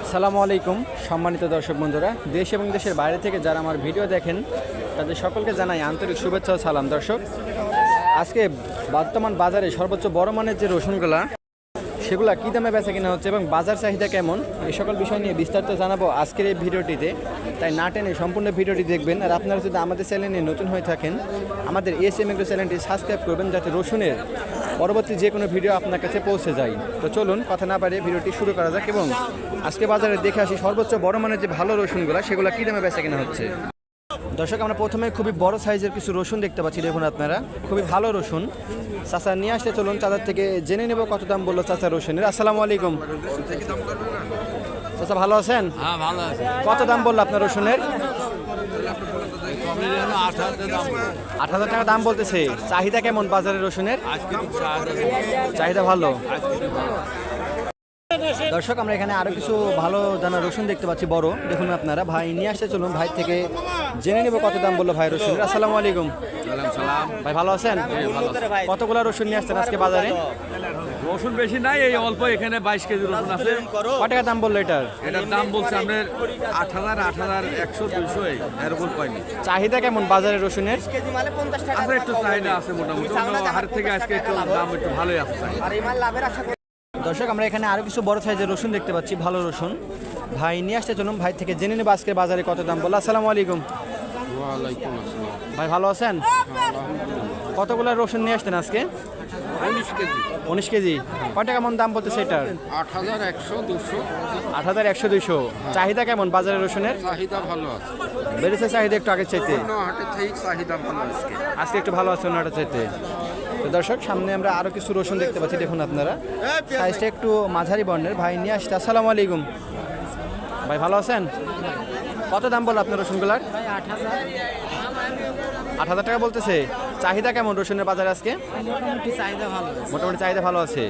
আসসালামু আলাইকুম সম্মানিত দর্শক বন্ধুরা, দেশ এবং দেশের বাইরে থেকে যারা আমার ভিডিও দেখেন তাদের সকলকে জানাই আন্তরিক শুভেচ্ছা ও সালাম। দর্শক, আজকে বর্তমান বাজারে সর্বোচ্চ বড় মানের যে রসুনগুলা সেগুলা কী দামে বেচা কিনা হচ্ছে এবং বাজার চাহিদা কেমন, এই সকল বিষয় নিয়ে বিস্তারিত জানাবো আজকের এই ভিডিওটিতে। তাই না টেনে সম্পূর্ণ ভিডিওটি দেখবেন। আর আপনারা যদি আমাদের চ্যানেলে নতুন হয়ে থাকেন, আমাদের এসএম এগ্রো চ্যানেলটি সাবস্ক্রাইব করবেন যাতে রসুনের পরবর্তী যে কোনো ভিডিও আপনার কাছে পৌঁছে যায়। তো চলুন কথা না বাড়িয়ে ভিডিওটি শুরু করা যাক এবং আজকে বাজারে দেখে আসি সর্বোচ্চ বড় মানের যে ভালো রসুনগুলো সেগুলো কী দামে বেচা কিনা হচ্ছে। দর্শক, আমরা প্রথমে খুবই বড় সাইজের কিছু রসুন দেখতে পাচ্ছি। দেখুন আপনারা, খুবই ভালো রসুন। চাচা নিয়ে আসতে চলুন, চাচার থেকে জেনে নেব কত দাম বললো চাচা রসুনের। আসসালামু আলাইকুম চাচা, ভালো আছেন? হ্যাঁ, ভালো আছে। কত দাম বললো আপনার রসুনের? 8,000 টাকা দাম বলতেছে। চাহিদা কেমন বাজারে রসুনের? চাহিদা ভালো। দর্শক, আমরা এখানে আরো কিছু ভালো দানা রসুন দেখতে পাচ্ছি বড়। দেখুন আপনারা, ভাই নিয়ে আসতে চলুন, ভাই থেকে জেনে নেব কত দাম বললো ভাই রসুনের। আসসালামু আলাইকুম ভাই, ভালো আছেন? কতগুলো রসুন নিয়ে আসছেন আজকে বাজারে? রসুন বেশি নাই, এই অল্প এখানে 22 কেজি রসুন আছে। কত টাকা দাম বললো এটার? এটার দাম বলছে আপনার 8,000, 8,100, 200 এরকম পাইনি। চাহিদা কেমন বাজারে রসুনের? আছে, একটু চাহিদা আছে মোটামুটি। অন্য হাট থেকে আজকে একটু দাম একটু ভালোই আছে চাহিদা। দর্শক, আমরা এখানে আরো কিছু বড় সাইজের রসুন দেখতে পাচ্ছি, ভালো রসুন। ভাই নিয়ে আসতে চলুন, ভাই থেকে জেনে নেব আজকে বাজারে কত দাম বললো। আসসালামু আলাইকুম ভাই, ভালো আছেন? কতগুলো রসুন নিয়ে আসতেন আজকে? 19 কেজি। কত টাকা মন দাম বলতেছে এটার? 8,100, 200। 8,100, 200। চাহিদা কেমন বাজারে রসুনের? চাহিদা ভালো আছে, বেড়েছে চাহিদা একটু আগের চাইতে? অন্য হাটের থেকে চাহিদা ভালো আজকে। আজকে একটু ভালো আছে অন্যটা চাইতে। তো দর্শক, সামনে আমরা আরো কিছু রসুন দেখতে পাচ্ছি। দেখুন আপনারা, সাইজটা একটু মাঝারি বর্ণের। ভাই নিয়ে আসতে। আসসালামু আলাইকুম ভাই, ভালো আছেন? কত দাম বলো আপনার রসুনগুলার? 8,000 টাকা বলতেছে। চাহিদা কেমন রসুনের বাজারে আজকে? মোটামুটি চাহিদা ভালো আছে।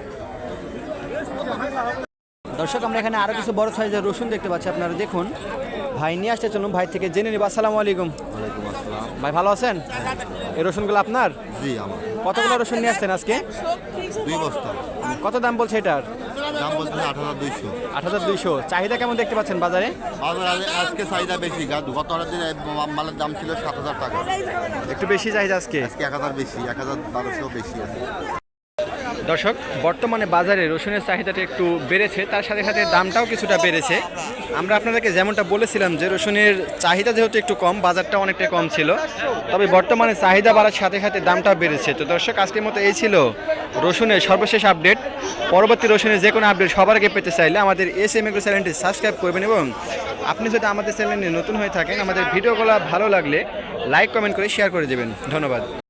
দর্শক, আমরা এখানে আরো কিছু বড় সাইজের রসুন দেখতে পাচ্ছি। আপনারা দেখুন, ভাই নিয়ে আসতে চলুন, ভাই থেকে জেনে নিব। আসসালামু আলাইকুম ভাই, ভালো আছেন? এই রসুনগুলো আপনার? জি, আমার। কতগুলো রসুন নিয়ে আসছেন আজকে? 2 বস্তা। কত দাম বলছে এটার? দাম বলছে 8,200। 8,200। চাহিদা কেমন দেখতে পাচ্ছেন বাজারে? আজকে চাহিদা বেশি। গত দিন মালের দাম ছিল 7,000 টাকা। একটু বেশি চাহিদা আজকে? আজকে 1,000 বেশি, 1,1200 বেশি আছে। দর্শক, বর্তমানে বাজারে রসুনের চাহিদাটা একটু বেড়েছে, তার সাথে সাথে দামটাও কিছুটা বেড়েছে। আমরা আপনাদেরকে যেমনটা বলেছিলাম যে রসুনের চাহিদা যেহেতু একটু কম, বাজারটা অনেকটা কম ছিল, তবে বর্তমানে চাহিদা বাড়ার সাথে সাথে দামটাও বেড়েছে। তো দর্শক, আজকের মতো এই ছিল রসুনের সর্বশেষ আপডেট। পরবর্তী রসুনের যে কোনো আপডেট সবার আগে পেতে চাইলে আমাদের এসএম এগ্রো চ্যানেলটি সাবস্ক্রাইব করবেন এবং আপনি যদি আমাদের চ্যানেলে নতুন হয়ে থাকেন, আমাদের ভিডিওগুলো ভালো লাগলে লাইক কমেন্ট করে শেয়ার করে দেবেন। ধন্যবাদ।